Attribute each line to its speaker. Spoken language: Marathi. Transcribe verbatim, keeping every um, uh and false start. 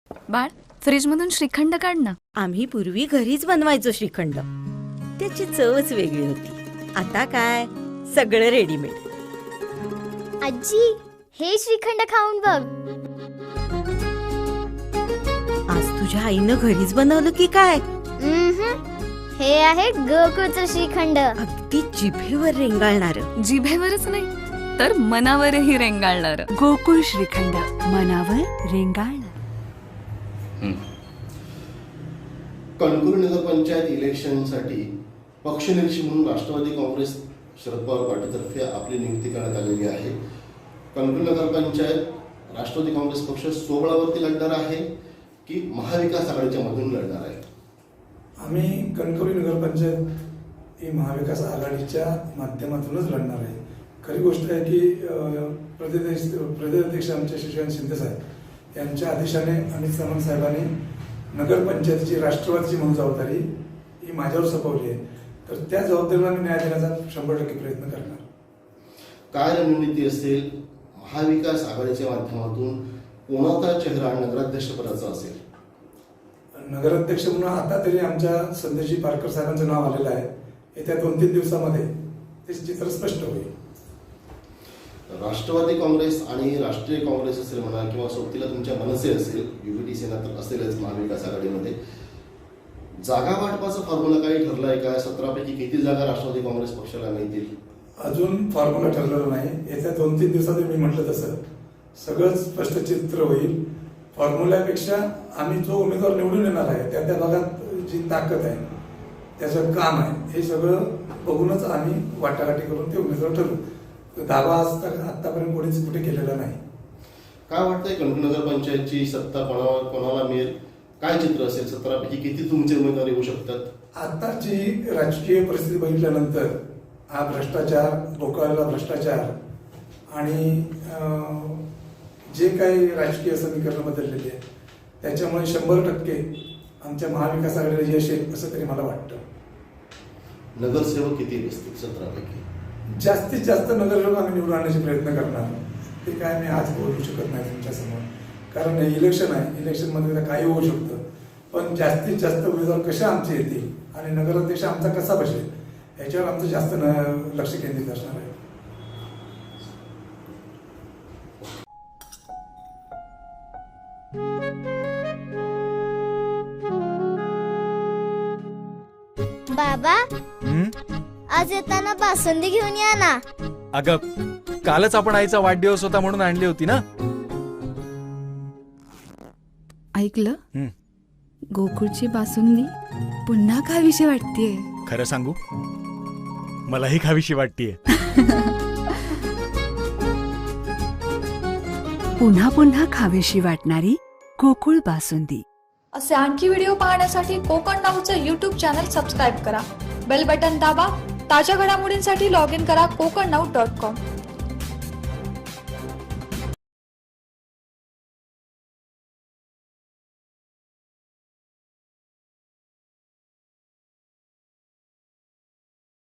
Speaker 1: बाळ, फ्रीज मधून श्रीखंड काढ ना.
Speaker 2: आम्ही पूर्वी घरीच बनवायचो श्रीखंड, त्याची चवच वेगळी होती. आता काय सगळं रेडीमेड.
Speaker 3: आजी, हे श्रीखंड खाऊन बघ.
Speaker 2: आज तुझ्या आईनं घरीच बनवलं की काय?
Speaker 3: हे आहे गोकुळचं श्रीखंड.
Speaker 2: अगदी जिभेवर रेंगाळणार.
Speaker 1: जिभेवरच नाही तर मनावरही रेंगाळणार.
Speaker 4: गोकुळ श्रीखंड, मनावर रेंगाळणार.
Speaker 5: कणकवली नगरपंचायत इलेक्शनसाठी पक्षनिरीक्षक म्हणून राष्ट्रवादी काँग्रेस शरद पवार पार्टीतर्फे आपली नियुक्ती करण्यात आलेली आहे. कणकवली नगरपंचायत राष्ट्रवादी काँग्रेस पक्ष सोबळावरती लढणार आहे की महाविकास आघाडीच्या मधून लढणार आहे?
Speaker 6: आम्ही कणकवली नगरपंचायत ही महाविकास आघाडीच्या माध्यमातूनच लढणार आहे. खरी गोष्ट आहे की प्रदेश प्रदेशाध्यक्ष आमचे शशिकांत शिंदे साहेब यांच्या आदेशाने अमित सावंत साहेबांनी नगरपंचायतीची राष्ट्रवादीची म्हणून जबाबदारी ही माझ्यावर सोपवली आहे. तर त्या जबाबदारीला मी न्याय देण्याचा शंभर टक्के प्रयत्न करणार.
Speaker 5: काय रणनीती असेल? महाविकास आघाडीच्या माध्यमातून कोणाचा चेहरा नगराध्यक्षपदाचा असेल?
Speaker 6: नगराध्यक्ष म्हणून आता तरी आमच्या संदेशी पारकर साहेबांचं नाव आलेलं आहे. येत्या दोन तीन दिवसामध्ये ते चित्र स्पष्ट होईल.
Speaker 5: राष्ट्रवादी काँग्रेस आणि राष्ट्रीय काँग्रेस असेल म्हणा किंवा सोबतीला तुमच्या मनसे असेल, युबीटी सेना तर असेलच महाविकास आघाडीमध्ये, जागा वाटपाचा फॉर्म्युला काही ठरला आहे का? सतरापैकी किती जागा राष्ट्रवादी काँग्रेस पक्षाला मिळतील?
Speaker 6: अजून फॉर्म्युला ठरलेला नाही. येत्या दोन तीन दिवसात मी म्हटलं तसं सगळं स्पष्ट चित्र होईल. फॉर्म्युल्यापेक्षा आम्ही जो उमेदवार निवडून येणार आहे त्या त्या भागात जी ताकद आहे, त्याचं काम आहे, हे सगळं बघूनच आम्ही वाटाघाटी करून ते उमेदवार ठरवू. दावा आतापर्यंत कोणीच कुठे केलेला नाही.
Speaker 5: काय वाटतंय कणकवली नगरपंचायतची सत्ता कोणावर कोणाला मिळेल? काय चित्र असेल? सतरापैकी किती तुमचे उमेदवार येऊ शकतात?
Speaker 6: आताची राजकीय परिस्थिती बघितल्यानंतर हा भ्रष्टाचार, बोकाळलेला भ्रष्टाचार आणि जे काही राजकीय समीकरण बदललेली आहे त्याच्यामुळे शंभर टक्के आमच्या महाविकास आघाडीला यश येईल असं तरी मला वाटतं.
Speaker 5: नगरसेवक किती असतील सतरापैकी?
Speaker 6: जास्तीत जास्त नगरसेवक आम्ही निवडून आणण्याचे प्रयत्न करणार. ते काय मी आज बोलू शकत नाही तुमच्यासमोर, कारण इलेक्शन आहे. इलेक्शनमध्ये काही होऊ शकतं. पण जास्तीत जास्त उमेदवार कसे आमचे येतील आणि नगराध्यक्ष आमचा कसा बसेल याच्यावर आमचं जास्त लक्ष केंद्रित असणार आहे.
Speaker 3: बाबा, आज येताना बासुंदी घेऊन या ना.
Speaker 7: अगं, कालच आपण आईचा वाढदिवस होता म्हणून आणली होती ना.
Speaker 1: ऐकलं? गोकुळची बासुंदी पुन्हा खावीशी वाटतेय.
Speaker 7: खरं सांगू, मलाही खावीशी वाटतेय.
Speaker 4: पुन्हा पुन्हा खावीशी वाटणारी गोकुळ बासुंदी.
Speaker 8: असे आणखी व्हिडिओ पाहण्यासाठी कोकण नाऊचं यूट्यूब चॅनल सबस्क्राईब करा. बेल बटन दाबा. ताज्या घडामोडींसाठी लॉग इन करा कोकण नाऊ डॉट कॉम.